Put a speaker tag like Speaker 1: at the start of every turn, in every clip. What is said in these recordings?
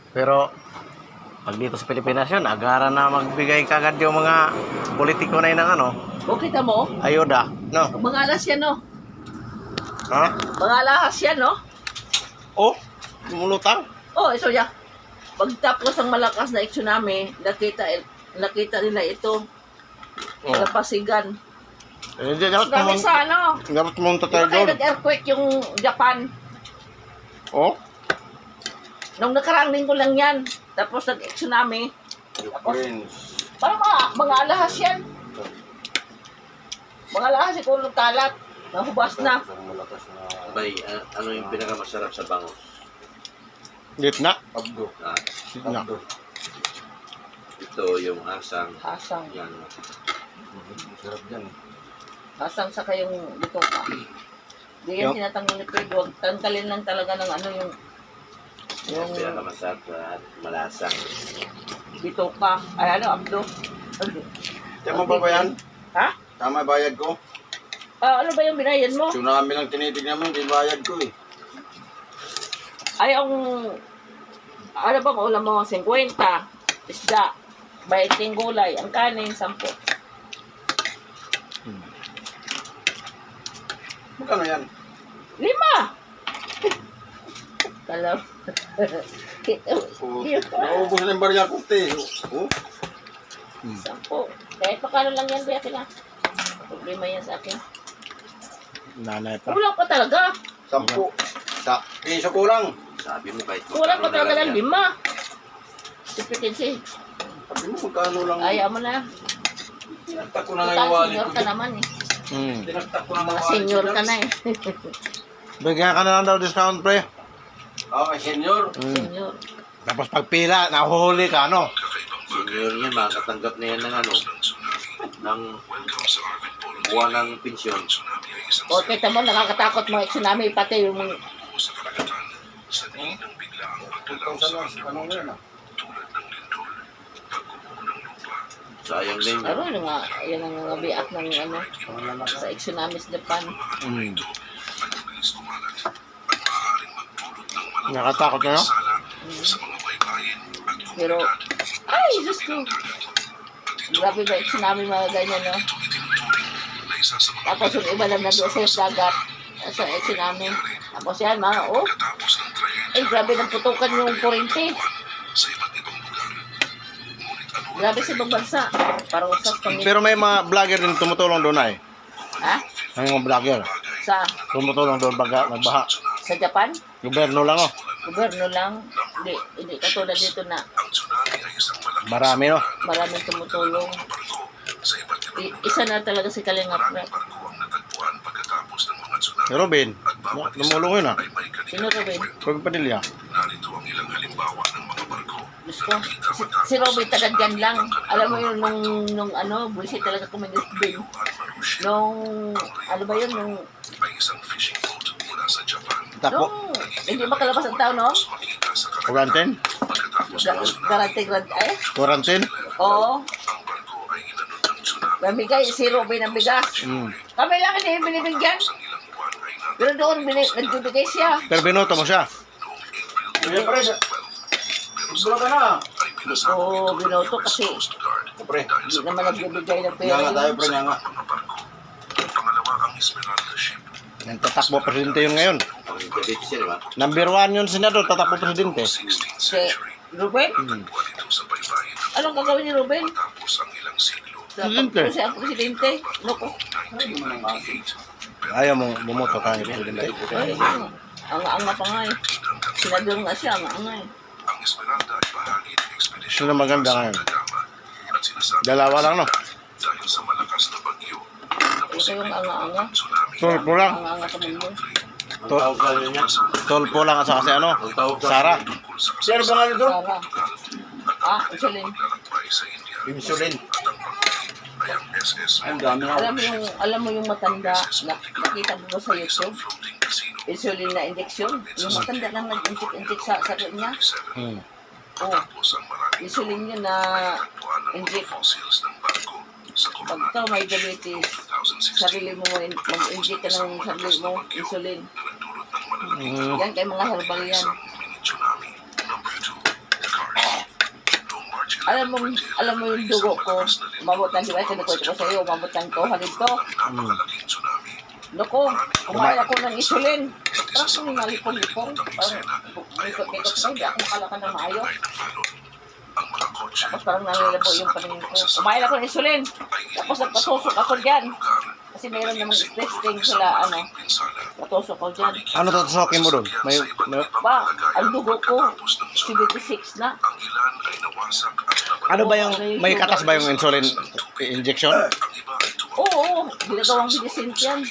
Speaker 1: Pero pag dito sa Pilipinas yun, agaran na magbigay kagad yung mga politiko na yun ng ano,
Speaker 2: O kita mo,
Speaker 1: ayuda, no?
Speaker 2: mga alas yan, no?
Speaker 1: Ha?
Speaker 2: Mga alahas yan, no?
Speaker 1: Oh, lumulutang.
Speaker 2: Oh, so ya. Pagtapos ng malakas na tsunami, nakita nila ito.
Speaker 1: Oh.
Speaker 2: Napasigan.
Speaker 1: Hindi, dapat
Speaker 2: Dami
Speaker 1: mong,
Speaker 2: sa ano.
Speaker 1: dapat mong
Speaker 2: Di
Speaker 1: tatay
Speaker 2: ba kayo
Speaker 1: doon.
Speaker 2: nag-earthquake yung Japan?
Speaker 1: Oh,
Speaker 2: Nung nakaraang linggo lang yan. Tapos nag-tsunami. Tapos, parang mga alahas yan. Mga alahas, ikaw ng kalat. Nahubas na.
Speaker 3: Bay, ano yung pinakamasarap sa bangos?
Speaker 1: gitna.
Speaker 3: Abdo.
Speaker 1: Gitna.
Speaker 3: Ito yung asang.
Speaker 2: Hasang.
Speaker 3: Yan. Masarap yan.
Speaker 2: Hasang sa kayong dito pa. Di yan
Speaker 1: Yung-
Speaker 2: tinatanggal ni Fred. Huwag tanggalin lang talaga ng ano yung
Speaker 3: Yung pinakamasarap at malasang.
Speaker 2: dito pa. Ay ano, abdo.
Speaker 4: Tama ba yan?
Speaker 2: Ha?
Speaker 4: Tama bayad ko?
Speaker 2: Ah, ano ba yung binayan mo?
Speaker 4: Tsunami lang tinitignan mo, hindi bayad ko eh.
Speaker 2: Ay, ang ano bang ulam mo? 50. Isda. 20 gulay. Ang kanin, 10.
Speaker 4: Magkano yan?
Speaker 2: 5! Kalaw.
Speaker 4: Oh, naubos na yung barya ko, te. Oh,
Speaker 2: 10. Kahit pakano lang yan, Bea, na. Problema yan sa akin.
Speaker 1: Nanay pa.
Speaker 2: Kulang pa talaga.
Speaker 4: 10. Sa piso kulang.
Speaker 3: Sabi mo kahit
Speaker 2: Kulang pa
Speaker 3: magkano
Speaker 2: talaga
Speaker 3: na lang
Speaker 2: ng
Speaker 3: yan.
Speaker 2: 5. Sipitin
Speaker 4: Sabi mo, magkano lang.
Speaker 2: Ayaw mo na.
Speaker 4: Tinagtak ko na nga
Speaker 2: Total,
Speaker 4: yung wallet
Speaker 2: senior
Speaker 4: ko.
Speaker 2: ka naman eh.
Speaker 4: Tinagtak ko na nga
Speaker 2: Mga
Speaker 4: yung wallet
Speaker 2: senior
Speaker 4: ko.
Speaker 2: ka na eh.
Speaker 1: Bigyan ka na lang daw discount, pre.
Speaker 4: Okay, senior.
Speaker 2: Senior.
Speaker 1: Tapos pagpila, nahuhuli ka, no?
Speaker 3: Senior yan, makakatanggap na yan ng ano, ng buwan ng pensyon.
Speaker 2: O, kita mo, nakakatakot mga tsunami, pati yung mga...
Speaker 4: Ano nga yun ah?
Speaker 3: Sayang din
Speaker 2: Ano
Speaker 3: yan.
Speaker 2: yung nga, yan ang mga biak ng ano, sa tsunami sa Japan.
Speaker 1: Nakatakot na, no?
Speaker 2: Pero, ay, Diyos ko. Grabe ba yung tsunami mga ganyan, no? Tapos yung iba lang na doon sa dagat, sa tsunami. Tapos yan, mga, oh. Ay, grabe ng putukan yung kurente. Grabe sa ibang bansa. Parang usas pang
Speaker 1: Pero may mga vlogger din tumutulong doon ay.
Speaker 2: Ha?
Speaker 1: May mga vlogger.
Speaker 2: Sa,
Speaker 1: Tumutulong doon pag nagbaha.
Speaker 2: sa Japan?
Speaker 1: Gobyerno lang, oh.
Speaker 2: Gobyerno lang. Hindi katulad dito na
Speaker 1: Marami, no?
Speaker 2: maraming tumutulong. Isa na talaga si Kalingap Rep.
Speaker 1: Si Robin, lumulong yun, ah.
Speaker 2: Sino Robin?
Speaker 1: Robin Padilla.
Speaker 2: Diyos ko. Si Robin tagadyan lang. Alam mo yun, nung ano, bullshit talaga kuminis din. Nung, ano ba yun, nung
Speaker 1: Tapo.
Speaker 2: hindi makalabas ang tao, no?
Speaker 1: Quarantine?
Speaker 2: Ay?
Speaker 1: Quarantine?
Speaker 2: Oo. Namigay, si Robin ang bigas. Kami lang hindi binibigyan. Pero doon, nagbibigay siya.
Speaker 1: Pero binoto mo siya.
Speaker 4: Kuya, pre. Ibro ka na.
Speaker 2: Oo, binoto kasi
Speaker 4: Pre.
Speaker 2: hindi naman nagbibigay ng
Speaker 4: Nga
Speaker 2: pera.
Speaker 4: nga tayo, pre. Nga nga.
Speaker 1: Yung tatakbo presidente yun ngayon.
Speaker 3: Ang gabi siya, di ba?
Speaker 1: Number 1 yun, senador, tatakbo presidente.
Speaker 2: Si Ruben? Anong gagawin ni Ruben?
Speaker 1: Presidente.
Speaker 2: Kung siya ang presidente. Loko.
Speaker 1: Ayaw mo bumoto ka ng presidente.
Speaker 2: Ay, anga-anga pa nga eh. Senador nga siya, anga-anga eh.
Speaker 1: Sino maganda ngayon? Dalawa lang, no?
Speaker 2: Ito yung anga-anga.
Speaker 1: Tolpo lang.
Speaker 2: Anga-anga ka mundo.
Speaker 3: Ang tawag ka niya.
Speaker 1: Tolpo lang at saka si ano?
Speaker 3: Ang tawag ka.
Speaker 1: Sara.
Speaker 4: Sino ba nga nito?
Speaker 2: Sara. Ah, insulin.
Speaker 4: Insulin. Ay, ang dami nga.
Speaker 2: Alam mo yung matanda na nakita mo ba sa YouTube? Insulin na injection. Yung matanda lang nag-inject sa sakit niya. Oh, insulin yun na inject. Pag ikaw may diabetes, sarili mo mag-inject ka ng sarili mo, insulin. Yan kay mga herbal yan. alam mo yung dugo ko, umabot ng, di ba, sinikwento ko sa'yo, umabot ng 200 to. Loko, kumain ako ng insulin. Parang kung nalipong-lipong, parang ikot-ikot ko, hindi ako makalakad ng maayos. Tapos parang nalilabo yung paningin ko. Kumain ako ng insulin. Tapos nagpatusok ako dyan. Kasi mayroon namang testing sila, patusok ko dyan.
Speaker 1: Ano tutusokin mo doon?
Speaker 2: Ba, ang dugo ko, 76 na.
Speaker 1: Ano ba yung, may katas ba yung insulin injection?
Speaker 2: Oo, ginagawang medicine yan.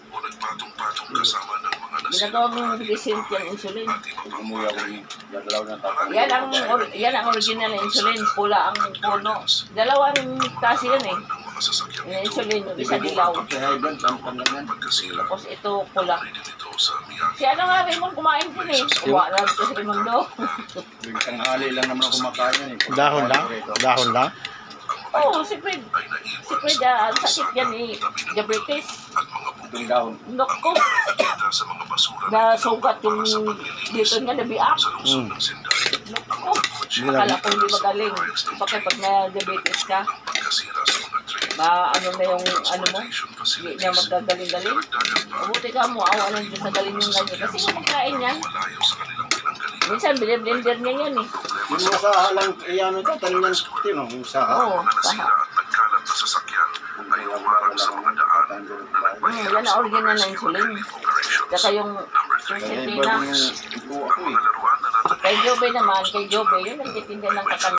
Speaker 2: Ginagawang medicine yan, insulin.
Speaker 4: Umuwi ako ng dadalaw ng tapos.
Speaker 2: Yan ang original na insulin, pula ang puno. Dalawa rin kasi yan eh. Yung insulin, yung isa dilaw.
Speaker 4: Sa high blood, tampan lang yan.
Speaker 2: Tapos ito pula. Si ano nga Raymond kumain din eh. Kumain na ito si Raymondo.
Speaker 4: Isang hali lang naman ako kumakain yan eh.
Speaker 1: Dahon lang? Dahon lang?
Speaker 2: Oo, si Fred. Si Fred, ang sakit yan eh. Diabetes.
Speaker 4: Itong dahon.
Speaker 2: Nako. Nasugat yung dito nga nabiak. Nako. Akala ko hindi magaling. Bakit pag na-diabetes ka, ano na yung ano mo, hindi na magagaling-galing. Mabuti ka mo, awa lang Diyos na galing yung ganyan. Kasi yung pagkain yan, minsan blender niya yan eh.
Speaker 4: Yung saha lang, ano ito, tanim ng tino, yung saha.
Speaker 2: Oo, paha. Yan ang original na insulin. Saka yung
Speaker 4: Kaya
Speaker 2: sintina.
Speaker 4: iba yung ito ako eh.
Speaker 2: Kay Jobe naman, kay Jobe, yun nagtitinda ng kakan